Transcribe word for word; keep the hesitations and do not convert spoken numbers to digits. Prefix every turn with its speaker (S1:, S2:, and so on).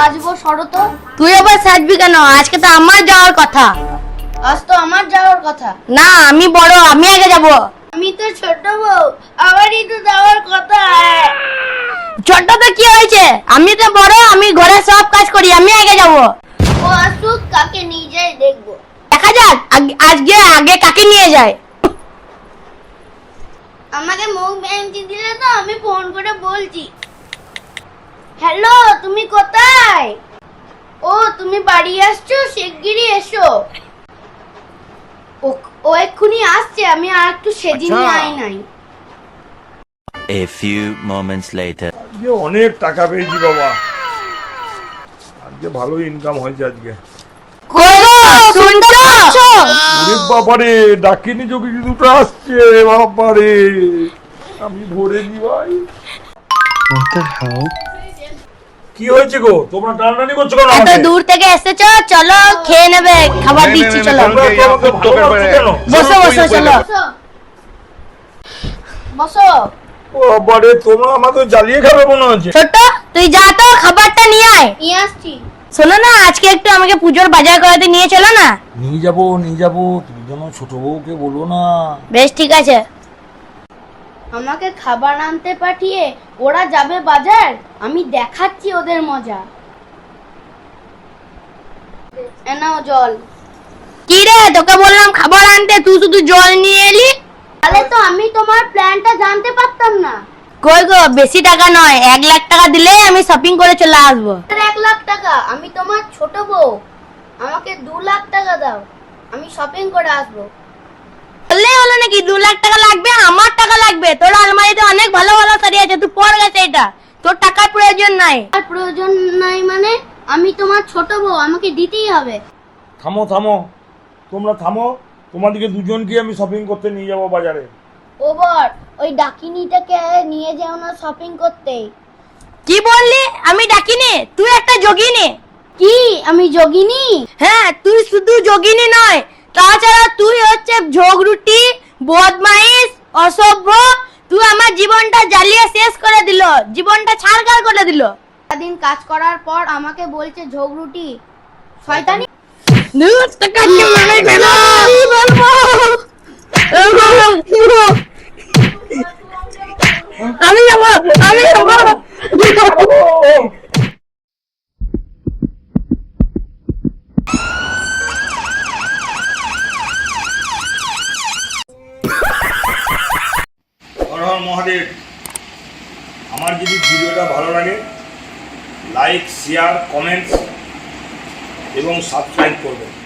S1: সাজবো সরো তো।
S2: তুই আবার সাজবি কেন? আজকে তো আমার যাওয়ার কথা।
S1: আজ তো আমার যাওয়ার কথা।
S2: না আমি বড়, আমি আগে যাব।
S1: আমি তো ছোট বউ, আমারই তো যাওয়ার কথা।
S2: ছোট তো কি হয়েছে? আমি তো বড়, আমি ঘরে সব কাজ করি, আমি আগে যাব।
S1: ও আসুক, কাকে নিয়ে যাই দেখবো।
S2: দেখা যাক আজকে আগে কাকে নিয়ে যায়।
S1: আমাকে মুখ ভেঙে দিলে তো আমি ফোন করে বলছি। হ্যালো, তুমি কোথায়? ও তুমি বাড়ি আসছো, শিগগিরই এসো। ও ও এক্ষুনি আসছে, আমি আর একটু সেদিনই আই নাই।
S3: A few moments later.
S4: আজকে অনেক টাকা পেয়েছি বাবা, আজকে ভালো ইনকাম হয়েছে আজকে।
S2: কই গো শুনতে পাচ্ছ?
S4: ওরে বাবারে, ডাকিনি যোগী দুটো আসছে বাবারে, আমি ভরে দি ভাই।
S5: What the hell?
S4: কি হয়েছে গো, তোমরা টানাটানি করছো কেন
S2: এত
S4: আমাকে?
S2: দূর থেকে এসেছো, চলো খেয়ে নেবে, খাবার দিচ্ছি চলো।
S4: তোমরা তো আমাকে ভালোবাসছো কেন?
S2: বসো বসো চলো।
S1: বসো বসো।
S4: ও বাবারে, তোমরা আমাকে জ্বালিয়ে খাবে মনে হচ্ছে।
S2: ছোট তুই যা তো খাবারটা নিয়ে আয়।
S1: নিয়ে আসছি।
S2: শোনো না, আজকে একটু আমাকে পুজোর বাজার করাতে নিয়ে চলো না।
S4: নিয়ে যাবো নিয়ে যাবো, তুমি যেন ছোট বউকে বলো না।
S2: বেশ ঠিক আছে।
S1: আমাকে খাবার আনতে পাঠিয়ে ওরা যাবে বাজার, আমি দেখাচ্ছি ওদের মজা। এ নাও জল।
S2: কি রে, তোকে বললাম খাবার আনতে, তুই শুধু জল নিয়ে এলি।
S1: তাহলে তো আমি তোমার প্ল্যানটা জানতে পারতাম না।
S2: কই গো, বেশি টাকা নয়, এক লাখ টাকা দিলেই আমি শপিং করে চলে আসবো।
S1: আর এক লাখ টাকা? আমি তোমার ছোট বউ, আমাকে দু লাখ টাকা দাও, আমি শপিং করে আসবো।
S2: বললে হলো নাকি দু লাখ টাকা লাগবে? আমার টাকা লাগবে। তোর আলমারিতে অনেক ভালো ভালো শাড়ি আছে, তুই পর গেছে এটা, তোর টাকার প্রয়োজন নাই।
S1: আর প্রয়োজন নাই মানে? আমি তোমার ছোট বউ, আমাকে দিতেই হবে।
S4: থামো থামো, তোমরা থামো, তোমাদেরকে দুজনকে আমি শপিং করতে নিয়ে যাবো বাজারে।
S1: ও বর, ওই ডাকিনিটাকে নিয়ে যাও না শপিং করতে।
S2: কি বললি? আমি ডাকিনি, তুই একটা যোগিনী।
S1: কি আমি যোগিনী?
S2: হ্যাঁ, তুই শুধু যোগিনী নয়, তাছাড়া তুই হচ্ছে ঝগড়ুটি, বদমাইশ, অসভ্য। তুই আমার জীবনটা জ্বালিয়ে শেষ করে দিল, জীবনটা ছাড়খাড় করে দিল।
S1: সারাদিন কাজ করার পর আমাকে বলছে ঝগড়ুটি, শয়তানি।
S2: আমি যাবো, আমি যাবো।
S4: হর হর মহাদেব। আমার যদি ভিডিওটা ভালো লাগে, লাইক, শেয়ার, কমেন্টস এবং সাবস্ক্রাইব করবেন।